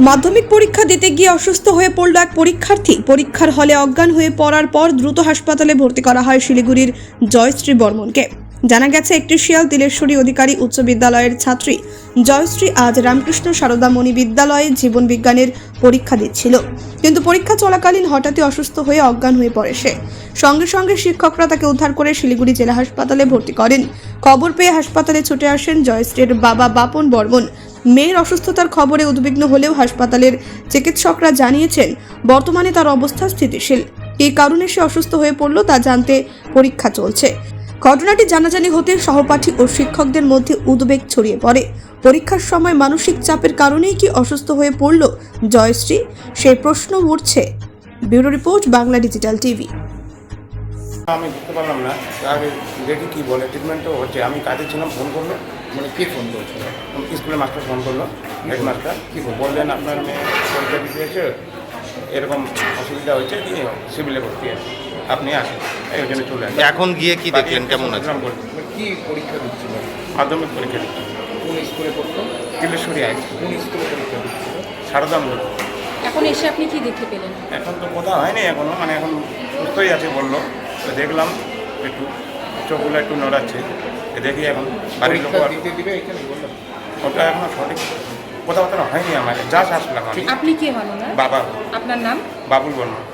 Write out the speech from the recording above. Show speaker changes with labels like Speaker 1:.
Speaker 1: মাধ্যমিক পরীক্ষা দিতে গিয়ে অসুস্থ হয়ে পড়ল এক পরীক্ষার্থী। পরীক্ষার হলে অজ্ঞান হয়ে পড়ার পর দ্রুত হাসপাতালে ভর্তি করা হয় শিলিগুড়ির জয়শ্রী বর্মনকে। জানা গেছে, একটি শিয়াল তিলেশ্বরী অধিকারী উচ্চ বিদ্যালয়ের ছাত্রী জয়শ্রী আজ রামকৃষ্ণ সারদামণি বিদ্যালয়ে জীবন বিজ্ঞানের পরীক্ষা দিচ্ছিল, কিন্তু পরীক্ষা চলাকালীন হঠাৎই অসুস্থ হয়ে অজ্ঞান হয়ে পড়ে সে। সঙ্গে সঙ্গে শিক্ষকরা তাকে উদ্ধার করে শিলিগুড়ি জেলা হাসপাতালে ভর্তি করেন। খবর পেয়ে হাসপাতালে ছুটে আসেন জয়শ্রীর বাবা বাপন বর্মন। মেয়ের অসুস্থতার খবরে উদ্বিগ্ন হলেও হাসপাতালের চিকিৎসকরা জানিয়েছেন বর্তমানে তার অবস্থা স্থিতিশীল। এই কারণে সে অসুস্থ হয়ে পড়ল তা জানতে পরীক্ষা চলছে। ঘটনাটি জানাজানি হতে সহপাঠী ও শিক্ষকদের মধ্যে উদ্বেগ ছড়িয়ে পড়ে। পরীক্ষার সময় মানসিক চাপের কারণেই কি অসুস্থ হয়ে পড়ল জয়শ্রী, সেই প্রশ্ন উঠছে। Bureau report, Bangla digital TV.
Speaker 2: আমি বুঝতে পারলাম না আগে দেখি কী বলে, ট্রিটমেন্টও হচ্ছে। আমি কাজে ছিলাম, ফোন করলো,
Speaker 3: মানে কে ফোন করেছিল?
Speaker 2: স্কুলের মাস্টার ফোন করলো, হেডমাস্টার কী বললেন আপনার মেয়ে পরীক্ষা দিতে এসে এরকম অসুবিধা হয়েছে, দিয়ে সিভিলে ভর্তি আছে, আপনি আসেন। এই জন্য চলে আসেন।
Speaker 4: এখন গিয়ে কি দেখলেন, কেমন আছে?
Speaker 3: মানে কি পরীক্ষা দিচ্ছিল?
Speaker 2: মাধ্যমিক পরীক্ষা দিচ্ছি।
Speaker 3: কোন স্কুলে পড়তো?
Speaker 2: Tileswari high school.
Speaker 3: কোন স্কুলে পরীক্ষা দিচ্ছিল?
Speaker 2: সারদামণি।
Speaker 5: এখন এসে আপনি কি দেখতে পেলেন?
Speaker 2: এখন তো কথা হয়নি এখনও, মানে এখন সুস্থই আছে বললো। তো দেখলাম একটু চোখগুলো একটু নড়াচ্ছে, দেখি এখন বাড়ির লোক
Speaker 3: পরীক্ষা দিতে দিবে এখানে বললাম।
Speaker 2: ওটা এখনো সঠিক কথাবার্তা হয়নি আমার, যা আসলাম আমি।
Speaker 5: আপনি কে হন ওনার?
Speaker 2: বাবা
Speaker 5: আপনার নাম?
Speaker 2: বাবুল বর্মা।